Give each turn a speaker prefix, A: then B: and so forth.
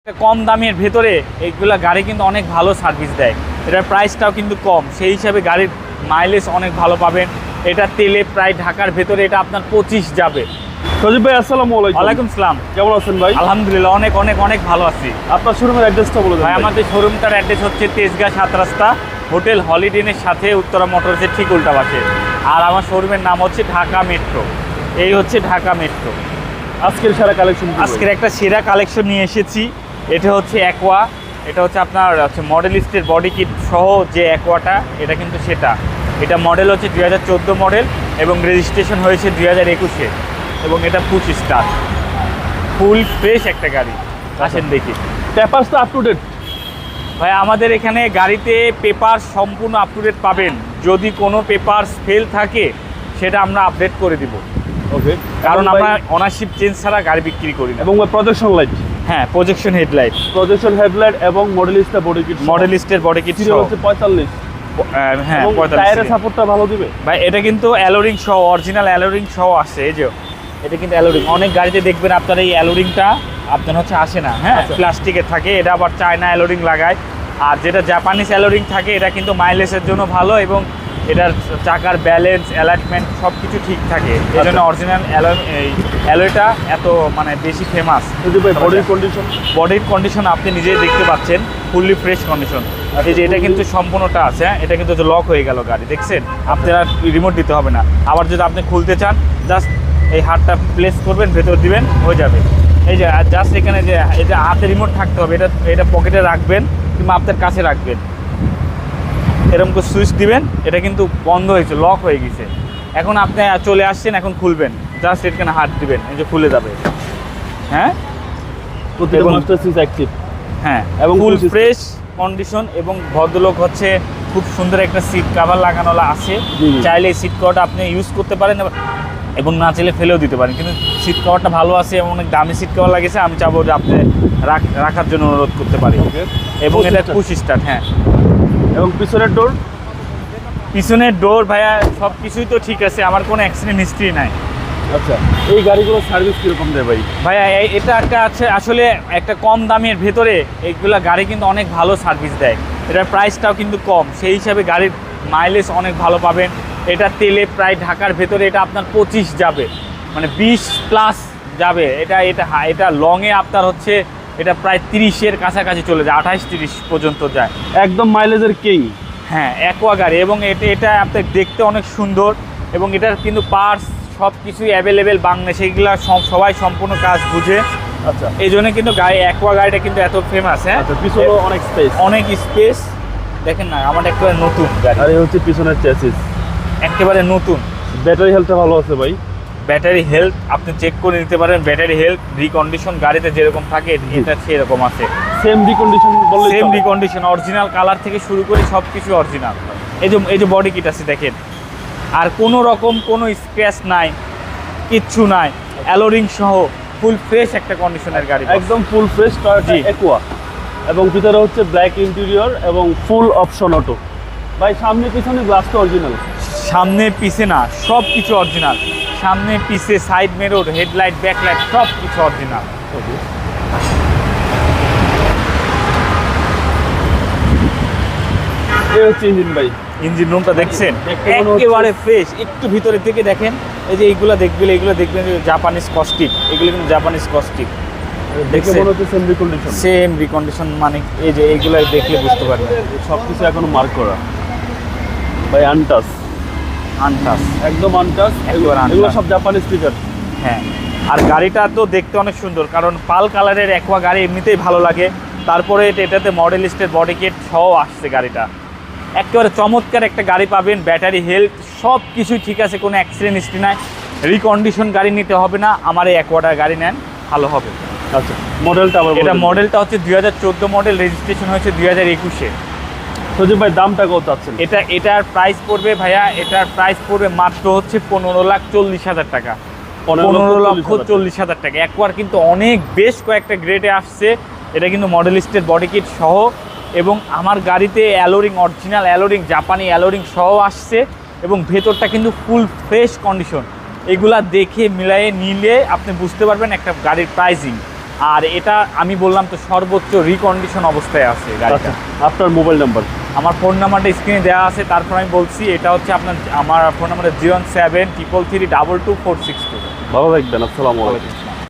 A: কম দামের ভেতরে এইগুলা গাড়ি কিন্তু অনেক ভালো সার্ভিস দেয়। এটার প্রাইসটাও কিন্তু কম, সেই হিসাবে গাড়ির মাইলেজ অনেক ভালো পাবেন। এটা তেলে প্রায় ঢাকার ভেতরে এটা আপনার 25 যাবে।
B: সজীব ভাই আসসালামু আলাইকুম।
A: ওয়ালাইকুম সালাম,
B: কেমন আছেন ভাই?
A: আলহামদুলিল্লাহ অনেক অনেক অনেক ভালো আছি।
B: আপনার শোরুমের অ্যাড্রেসটা বলে দেন
A: ভাই। আমাদের শোরুমটার অ্যাড্রেস হচ্ছে তেজগাঁ 7 রাস্তা, হোটেল হলিডেনের সাথে উত্তরা মোটরসের ঠিক উল্টা পাশে। আর আমার শোরুমের নাম হচ্ছে ঢাকা মেট্রো। এই হচ্ছে ঢাকা মেট্রো।
B: আজকের সেরা কালেকশন
A: আজকের একটা সেরা কালেকশন নিয়ে এসেছি। এটা হচ্ছে অ্যাকোয়া, এটা হচ্ছে আপনার হচ্ছে মডেলিস্টের বডি কিট সহ যে অ্যাকোয়াটা, এটা কিন্তু সেটা। এটা মডেল হচ্ছে 2014 মডেল এবং রেজিস্ট্রেশন হয়েছে 2021-এ এবং এটা পুশ স্টার, ফুল ফ্রেশ একটা গাড়ি। আসেন দেখি।
B: পেপারস তো আপ টু ডেট
A: ভাই আমাদের এখানে গাড়িতে পেপার সম্পূর্ণ আপ টু ডেট পাবেন। যদি কোনো পেপার ফেল থাকে সেটা আমরা আপডেট করে দিব,
B: ওকে,
A: কারণ আমরা অনারশিপ চেঞ্জ ছাড়া গাড়ি বিক্রি করি না।
B: এবং প্রজেকশন লাইট,
A: হ্যাঁ প্রজেকশন হেডলাইট,
B: প্রজেকশন হেডলাইট এবং মডেলিস্টা বডি কিট,
A: মডেলিস্টের বডি কিট
B: ছিল হচ্ছে 45।
A: হ্যাঁ
B: এবং
A: 45
B: টায়ারের সাপোর্টটা ভালো দিবে
A: ভাই। এটা কিন্তু অ্যালোরিং সহ, অরিজিনাল অ্যালোরিং সহ আসে। এই যে এটা কিন্তু অ্যালোরিং, অনেক গাড়িতে দেখবেন আপনার এই অ্যালোরিংটা আপনার হচ্ছে আসে না, হ্যাঁ প্লাস্টিকের থাকে। এটা আবার চায়না অ্যালোরিং লাগায়। আর যেটা জাপানিজ অ্যালোরিং থাকে এটা কিন্তু মাইলেজের জন্য ভালো এবং এটার চাকার ব্যালেন্স অ্যালাইনমেন্ট সব কিছু ঠিক থাকে। এই জন্য অরিজিনাল অ্যালোয়টা এত মানে বেশি ফেমাস।
B: বডির কন্ডিশন,
A: বডির কন্ডিশন আপনি নিজেই দেখতে পাচ্ছেন, ফুললি ফ্রেশ কন্ডিশন। এই যে এটা কিন্তু সম্পূর্ণটা আছে, হ্যাঁ এটা কিন্তু লক হয়ে গেল গাড়ি, দেখছেন? আপনারা রিমোট দিতে হবে না। আবার যদি আপনি খুলতে চান জাস্ট এই হাতটা প্লেস করবেন, ভেতর দিবেন, হয়ে যাবে। এই যে জাস্ট এখানে যে এটা হাতে রিমোট থাকতে হবে, এটা পকেটে রাখবেন কিংবা আপনার কাছে রাখবেন, এরকম করে সুইচ দিবেন, এটা কিন্তু বন্ধ হয়েছে, লক হয়ে গেছে। এখন আপনি চলে আসছেন, এখন খুলবেন, জাস্ট এখানে হাত দিবেন, এই যে খুলে যাবে। হ্যাঁ
B: মাস্টার সুইচ অ্যাক্টিভ,
A: হ্যাঁ এবং ফুল ফ্রেশ কন্ডিশন। এবং ভদ্রলোক হচ্ছে খুব সুন্দর একটা সিট কভার লাগানো আছে। চাইলে এই সিট কভারটা আপনি ইউজ করতে পারেন এবং না চাইলে ফেলেও দিতে পারেন, কিন্তু সিট কভারটা ভালো আছে এবং অনেক দামি সিট কভার লাগিয়েছে। আমি চাবো যে আপনি রাখার জন্য অনুরোধ করতে পারি। এবং এটা পুশ স্টার্ট, হ্যাঁ।
B: এবং
A: পিছনের ডোর ভাইয়া সব কিছুই তো ঠিক আছে, আমার কোনো অ্যাক্সিডেন্ট হিস্ট্রি নাই।
B: আচ্ছা, এই গাড়িগুলোর সার্ভিস কীরকম দেয় ভাই?
A: ভাইয়া এটা একটা আছে আসলে একটা কম দামের ভেতরে এইগুলা গাড়ি কিন্তু অনেক ভালো সার্ভিস দেয়। এটার প্রাইসটাও কিন্তু কম, সেই হিসাবে গাড়ির মাইলেজ অনেক ভালো পাবেন। এটা তেলে প্রায় ঢাকার ভেতরে এটা আপনার 25 যাবে, মানে 20+ যাবে। এটা লংয়ে আপনার হচ্ছে এটা প্রায় 30-এর কাছাকাছি চলে যায়, 28-30 পর্যন্ত যায়।
B: একদম মাইলেজের কিং,
A: হ্যাঁ অ্যাকোয়া গাড়ি। এবং এটা আপনার দেখতে অনেক সুন্দর এবং এটার কিন্তু পার্টস সব কিছুই অ্যাভেলেবেল বাংলাদেশে, এগুলা সবাই সম্পূর্ণ কাজ বুঝে।
B: আচ্ছা,
A: এই জন্য কিন্তু অ্যাকোয়া গাড়িটা কিন্তু এত ফেমাস। হ্যাঁ
B: পিছনে অনেক স্পেস
A: দেখেন না, আমার একেবারে নতুন গাড়ি।
B: আর এই হচ্ছে পিছনের চ্যাসিস,
A: একেবারে নতুন।
B: ব্যাটারি হেলথটা ভালো আছে ভাই।
A: ব্যাটারি হেলথ আপনি চেক করে নিতে পারেন। ব্যাটারি হেলথ রিকন্ডিশন গাড়িতে যেরকম থাকে এটা সেরকম আছে,
B: same recondition,
A: same recondition, original colour থেকে শুরু করে সব কিছু অরিজিনাল। এই যে বডি কিট আছে দেখেন, আর কোনো রকম কোনো স্ক্র্যাচ নাই, কিচ্ছু নাই, অ্যালোরিং সহ ফুল ফ্রেশ একটা কন্ডিশনের গাড়ি,
B: একদম ফুল ফ্রেশ টয়োটা অ্যাকোয়া। এবং ভিতরে হচ্ছে ব্ল্যাক ইন্টেরিয়র এবং ফুল অপশন অটো। ভাই সামনে পিছনে গ্লাস তো অরিজিনাল,
A: সামনে পিছে না সব কিছু অরিজিনাল, সামনে পিছে সাইড মিরর হেডলাইট ব্যাকলাইট সব কিছু অরিজিনাল।
B: এই হচ্ছে ইঞ্জিন ভাই,
A: ইঞ্জিন রুমটা দেখছেন একেবারে ফ্রেশ। একটু ভিতরে থেকে দেখেন, এই যে এইগুলো দেখবেন যে জাপানিজ কস্টিক, এগুলো কিন্তু জাপানিজ কস্টিক
B: দেখে মনে হচ্ছে সেম রিকন্ডিশন।
A: সেম রিকন্ডিশন মানে এই যে এইগুলো দেখলে বুঝতে পারবেন
B: সব কিছু এখনো মার্ক করা ভাই, আনটাচ একদম আনটাচ, এগুলো সব জাপানিজ স্টিকার।
A: হ্যাঁ, আর গাড়িটা তো দেখতে অনেক সুন্দর, কারণ পাল কালারের অ্যাকোয়া গাড়ি এমনিতেই ভালো লাগে। তারপরে এটাতে মডেলিস্টের বডি কিট সহ আসছে গাড়িটা, একেবারে চমৎকার একটা গাড়ি পাবেন। ব্যাটারি হেলথ সব কিছুই ঠিক আছে, কোনো অ্যাক্সিডেন্ট হিস্ট্রি নাই। রিকন্ডিশন গাড়ি নিতে হবে না, আমার এই অ্যাকোয়াটার গাড়ি নেন, ভালো হবে।
B: আচ্ছা, মডেলটা
A: হচ্ছে 2014 মডেল, রেজিস্ট্রেশন হয়েছে 2021-এ।
B: সজীব ভাই দামটা কত চাচ্ছেন?
A: এটার প্রাইস পড়বে ভাইয়া, এটার প্রাইস পড়বে মাত্র হচ্ছে 15,40,000 টাকা। 15,40,000 টাকা। অ্যাকোয়ার কিন্তু অনেক বেশ কয়েকটা গ্রেডে আসছে, এটা কিন্তু মডেলিস্টের বডি কিট সহ। এবং আমার গাড়িতে অ্যালোরিং, অরিজিনাল অ্যালোরিং, জাপানি অ্যালোরিং সহ আসছে এবং ভেতরটা কিন্তু ফুল ফ্রেশ কন্ডিশন। এগুলা দেখে মিলায়ে নিলে আপনি বুঝতে পারবেন একটা গাড়ির প্রাইসিং। আর এটা আমি বললাম তো সর্বোচ্চ রিকন্ডিশন অবস্থায় আছে গাড়িটা।
B: আচ্ছা, আপনার মোবাইল নাম্বার?
A: আমার ফোন নাম্বারটা স্ক্রিনে দেওয়া আছে, তারপর আমি বলছি এটা হচ্ছে আমার ফোন নাম্বারটা 01733322462।
B: ভালো থাকবেন, আসসালামু আলাইকুম।